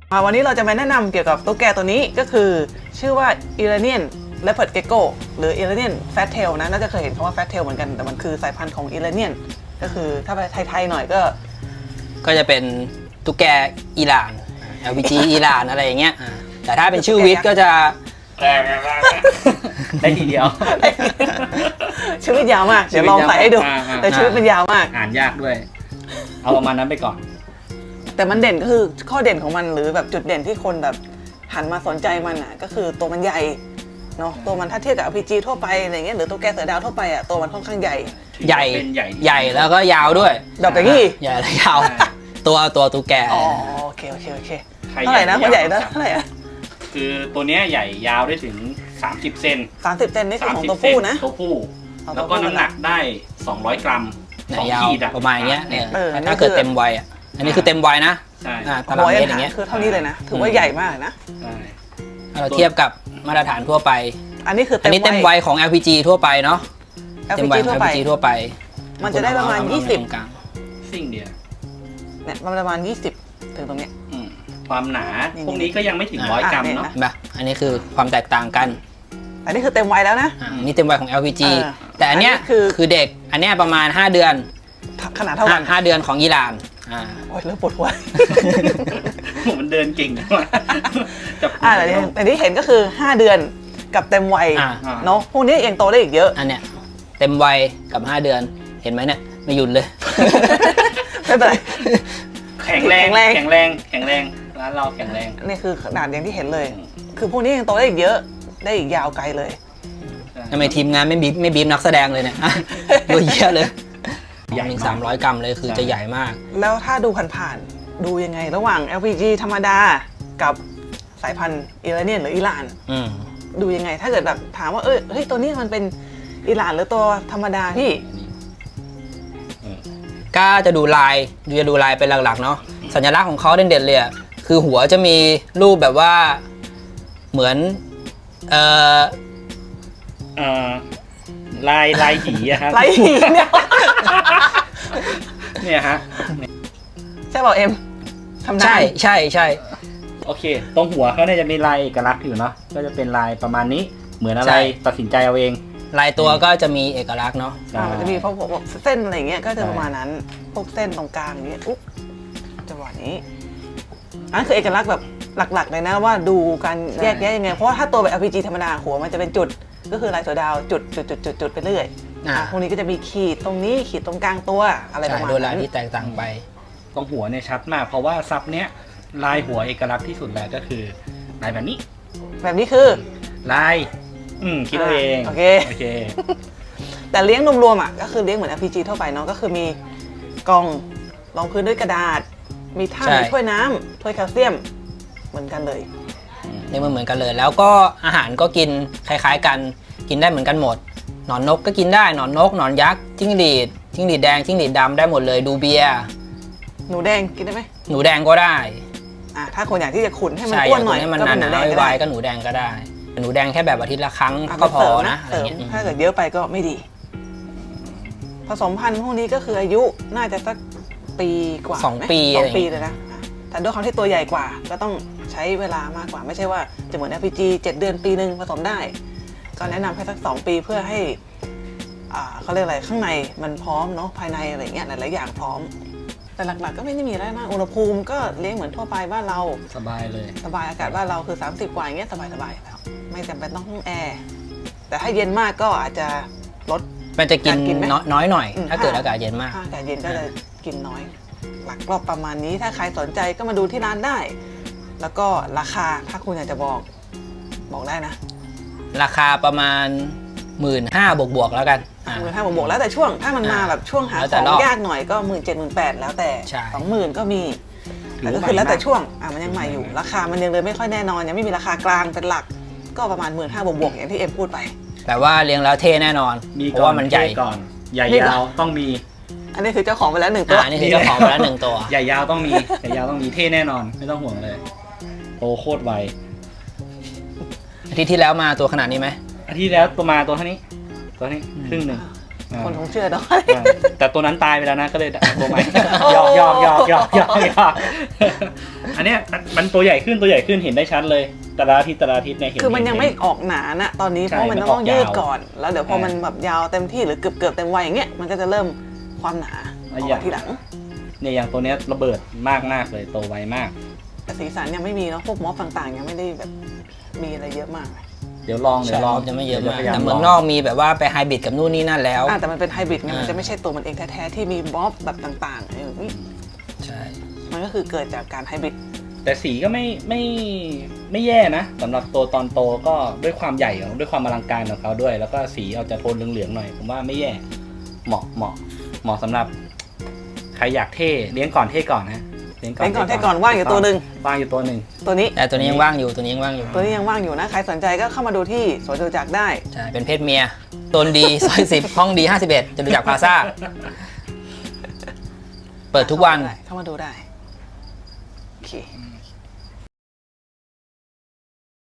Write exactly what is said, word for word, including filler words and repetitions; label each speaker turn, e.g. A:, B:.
A: วันนี้เราจะมาแนะนำเกี่ยวกับตุ๊กแกตัวนี้ก็คือชื่อว่า Iranian Leopard Gecko หรือ Iranian Fat Tail นะน่าจะเคยเห็นคำว่า Fat Tail เหมือนกันแต่มันคือสายพันธุ์ของ Iranian ก็คือถ้าไปไทยๆหน่อยก็
B: ก็จะเป็นตุ๊กแกอิหร่าน แอล พี จี อิหร่านอะไรอย่างเงี้ยแต่ถ้าเป็นชื่อวิทย์ก็จะ
C: ได้ทีเดียว
A: ชีวิตยาวมากเดี๋ยวลองใส่ให้ดูแต่ชีวิตมันยาวมาก
C: อ่านยากด้วยเอาประมาณนั้นไปก่อน
A: แต่มันเด่นก็คือข้อเด่นของมันหรือแบบจุดเด่นที่คนแบบหันมาสนใจมันอ่ะก็คือตัวมันใหญ่เนาะตัวมันถ้าเทียบกับ อาร์ พี จี ทั่วไปอะไรเงี้ยหรือตัวแกเสือดาวทั่วไปอ่ะตัวมันค่อนข้างใหญ่
B: ใหญ่ใหญ่แล้วก็ยาวด้วย
A: ดอกอย่างนี้
B: ใหญ่และยาวตัวตัวตุ๊กแก
A: อ๋อโอเคโอเคโอเคเท่าไหร่นะคนใหญ่เท่าไหร่อ่ะ
C: คือตัวเนี้ยใหญ่ยาวได้ถึงสามสิบเซน
A: สามสิบเซนนี่คือของตัวผู้นะ
C: ตัวผู้แล้วก็น้ำหนักได้สองร้อยกรัมสองขีด
B: ประมาณเงี้ยเนี่ยถ้าเกิดเต็มวัยอ่ะอันนี้คือเต็มวัยนะ
C: ใช่
B: ตารางเมตรอย่างเงี้ย
A: คือเท่านี้เลยนะถือว่าใหญ่มากนะ
B: ถ้าเราเทียบกับมาตรฐานทั่วไป
A: อันนี้คือ
B: อันนี้เต็มวัยของ แอล พี จี ทั่วไปเนาะ
A: เต็มวัย
B: แอล พี จี ทั่วไป
A: มันจะได้ประมาณยี่สิบ
C: สิ่งเดียว
A: เนี่ยประมาณยี่สิบถึงตรงเนี้ย
C: ความหนาพวกนี้ก็ยังไม่ถึงร้อยกรัมเนาะ
B: แบบอันนี้คือความแตกต่างกัน
A: อันนี้คือเต็มวัยแล้วนะ
B: อันนี้เต็มวัยของ แอล พี จี แต่อันเนี้ยคือคือเด็กอันเนี้ยประมาณห้าเดือน
A: ขนาดเท่ากัน
B: ห้าเดือนของอิหร่านอ่า
A: โอ้ยเริ่มปวดหัว
C: มันเดินเก่งมาก
A: อ่าแต่ที่แต่ที่เห็นก็คือห้าเดือนกับเต็มวัยเนาะพวกนี้ยังโตได้อีกเยอะ
B: อันเนี้ยเต็มวัยกับห้าเดือนเห็นไหมเนี่ยไม่หยุดเลย
A: ไม่เป็นไร
C: แข็งแรงแข็งแรงแข็งแรงร้านเราแข็งแรง
A: นี่คือขนาดอย่างที่เห็นเลยคือพวกนี้ยังโตได้อีกเยอะได้อีกยาวไกลเลย
B: ทำไมทีมงานไม่บีบไม่บีบนักแสดงเลยเนี่ยตัวเยอะเลยใหญ่สามร้อยกรัมเลยคือจะใหญ่มาก
A: แล้วถ้าดูผ่านๆดูยังไงระหว่าง แอล พี จี ธรรมดากับสายพันธุ์อิหร่านหรืออิหร่านดูยังไงถ้าเกิดแบบถามว่าเออเฮ้ยตัวนี้มันเป็นอิหร่านหรือตัวธรรมดาพี่
B: ก็จะดูลายดูจะดูลายเป็นหลักๆเนาะสัญลักษณ์ของเขาเด่นๆเลยอ่ะคือหัวจะมีรูปแบบว่าเหมือนเอ่อ
C: เอ่อลายลายหีอะครับ
A: ลายหีเนี่ย
C: เนี่ยฮะ
A: ใช่เปล่าเอ็มทำได้
B: ใช่ใช่ใช่
C: โอเคตรงหัวเขาเนี่ยจะมีลายเอกลักษณ์อยู่เนาะก็จะเป็นลายประมาณนี้เหมือนอะไรตัดสินใจเอาเอง
B: ลายตัวก็จะมีเอกลักษณ์เนาะ
A: มันจะมีพวกเส้นอะไรเงี้ยก็จะประมาณนั้นพวกเส้นตรงกลางอย่างเงี้ยอุ๊บจังหวะนี้อันนั้นคือเอกลักษณ์แบบหลักๆเลยนะว่าดูการแยกแยะยังไงเพราะว่าถ้าตัวแบบ แอล พี จี ธรรมดาหัวมันจะเป็นจุดก็คือลายเสือดาวจุดจุดจุดจุดจุดไปเรื่อยพวกนี้ก็จะมีขีดตรงนี้ขีดตรงกลางตัวอะไรประมาณนั้น
B: โดยลายที่แตกต่างไป
C: ตรงหัวเนี่ยชัดมากเพราะว่าซับเนี้ยลายหัวเอกลักษณ์ที่สุดแล้วก็คือลายแบบนี้
A: แบบนี้คือ
C: ลายอืมคิดเอาเอง
A: โอเค
C: โอเค
A: แต่เลี้ยงรวมๆอ่ะก็คือเลี้ยงเหมือน แอล พี จี ทั่วไปเนาะก็คือมีกล่องรองพื้นด้วยกระดาษมีท่ามีถ้วยน้ำถ้วยแคลเซียมเหมือนกันเลย
B: นี่มันเหมือนกันเลยแล้วก็อาหารก็กินคล้ายๆกันกินได้เหมือนกันหมดหนอนนกก็กินได้หนอนนกหนอนยักษ์จิ้งหรีดจิ้งหรีดแดงจิ้งหรีดดำได้หมดเลยดูเบีย
A: หนูแดงกินได้ไหม
B: หนูแดงก็ได้
A: อ่ะถ้าคนอยากที่จะขุนให้มันอ้วนหน่อย
B: ให้มันหนาๆไวๆก็หนูแดงก็ได้หนูแดงแค่แบบอาทิตย์ละครั้งก็พอนะอะไรเงี้ย
A: ถ้าเกิดเยอะไปก็ไม่ดีผสมพันธุ์พวกนี้ก็คืออายุน่าจะสักปีกว่า
B: สองปี
A: สองปีเลยนะแต่ด้วยความที่ตัวใหญ่กว่าก็ต้องใช้เวลามากกว่าไม่ใช่ว่าจะเหมือน แอล พี จี เจ็ดเดือนปีหนึ่งผสมได้ก็แนะนำให้สักสองปีเพื่อให้อ่าเขาเรียกอะไรข้างในมันพร้อมเนาะภายในอะไรเงี้ยหลายๆอย่างพร้อมแต่หลักๆก็ไม่ได้มีอะไรมากอุณหภูมิก็เลี้ยงเหมือนทั่วไปบ้านเรา
C: สบายเลย
A: สบายอากาศบ้านเราคือสามสิบกว่าอย่างเงี้ยสบายๆแล้วไม่จำเป็นต้องห้องแอร์แต่ถ้าเย็นมากก็อาจจะลด
B: มันจะกินน้อยหน่อยถ้าเกิดอากาศเย็นมาก
A: อากาศเย็นก็จะกินน้อยหลักรอบประมาณนี้ถ้าใครสนใจก็มาดูที่ร้านได้แล้วก็ราคาถ้าคุณอยากจะบอกบอกได้นะ
B: ราคาประมาณหมื่นห้าบวกบวกแล้วกัน
A: หมื่นห้าบวกบวกแล้วแต่ช่วงถ้ามันมาแบบช่วงหาของยากหน่อยก็หมื่นเจ็ดหมื่นแปดแล้วแต่สองหมื่นก็มีแต่ก็คือแล้วแต่ช่วงอ่ะมันยังใหม่อยู่ราคามันยังเลยไม่ค่อยแน่นอนยังไม่มีราคากลางเป็นหลักก็ประมาณหมื่นห้าบวกบวกอย่างที่เอ็มพูดไป
B: แต่ว่าเลี้ยงแล้วเท่แน่นอนเพราะว่ามันใหญ่
C: ก่อนใหญ่ยาวต้องมี
A: อันนี้คือเจ้าของไปแล้วหนึ่งตัว
B: อันนี้คือเจ้าของไปแล้วหนึ่งตัว
C: ใหญ่ยาวต้องมีใหญ่ยาวต้องมีเท่แน่นอนไม่ต้องห่วงเลยโตโคตรไว
B: อาทิตย์ที่แล้วมาตัวขนาดนี้ไหม
C: อาทิตย์แล้วตัวมาตัวเท่านี้ตัวนี้ครึ่งหนึ่งอ่า
A: คนคงเชื่อเนาะ
C: อ่าแต่ตัวนั้นตายไปแล้วนะก็เลยตัวใหม่หยอกหยอกหยอกหยอกหยอกหยอกอันเนี้ยมันตัวใหญ่ขึ้นตัวใหญ่ขึ้นเห็นได้ชัดเลยแต่ละอาทิตย์แต่ละอาทิตย์เนี่ยเห็น
A: คือมันยัง
C: เห็
A: ไม่ออกหนานะตอนนี้เพ
C: ใช่
A: ราะมัน
C: มัน
A: ต้อง
C: ออก
A: ยืด
C: ยาว
A: ก่อน แล้วเดี๋ยวพอ
C: ใช่
A: มันแบบยาวเต็มที่หรือเกือบเกือบๆเต็มวัยอย่างเงี้ยมันก็จะเริ่มความหนาอ
C: อ่ะ
A: อก
C: อย่าง
A: มาทีหลัง
C: เนี่ยอย่างตัวเนี้ยระเบิดมากมากๆเลยโตไวมาก
A: แต่สีสันยังไม่มีเนาะพวกม็อบต่างๆ ยังไม่ได้แบบมีอะไรเยอะมาก
C: เดี๋ยวลองเดี๋
B: ใช่
C: ยวลอง
B: จะไม่เยอะมาก
C: ดี๋วจพ
B: แต่
C: ย
B: เมือง
C: ล
B: นอกมีแบบว่าไปไฮบริดกับนู่นนี่นั่นแล้ว
A: อ่ะแต่มันเป็นไฮบริดไง
B: อ่ามั
A: มันจะไม่ใช่ตัวมันเองแท้ๆที่มีม็อบแบบต่างๆเออนี่
B: ใช่
A: มันก็คือเกิดจากการไฮบริด
C: แต่สีก็ไม่ไม่ไม่แย่นะสำหรับตัวตอนโตก็ด้วยความใหญ่ของด้วยความอลังการของเขาด้วย แล้วก็สีเอาจะโทนเหลืองๆหน่อยผมว่าไม่แย่เหมาะเหมาะเหมาะสำหรับใครอยากเท่เลี้ยงก่อนเท่ก่อนนะ
A: เป็นก่อนให้ก่อนว่างอยู่ตัวหนึ่ง
C: ว่างอยู่ตัวหนึ่ง
A: ตัวนี้
B: แต่ตัวนี้ยังว่างอยู่ตัวนี้ยังว่างอยู่
A: ตัวนี้ยังว่างอยู่นะใครสนใจก็เข้ามาดูที่สวนจตุจักรได้
B: ใช่เป็นเพศเมียตนดี ซอยสิบห้องดีห้าสิบเอ็ดจะดูจากพลาซ่าเปิดทุกวัน
A: เข้ามาดูได้โอเค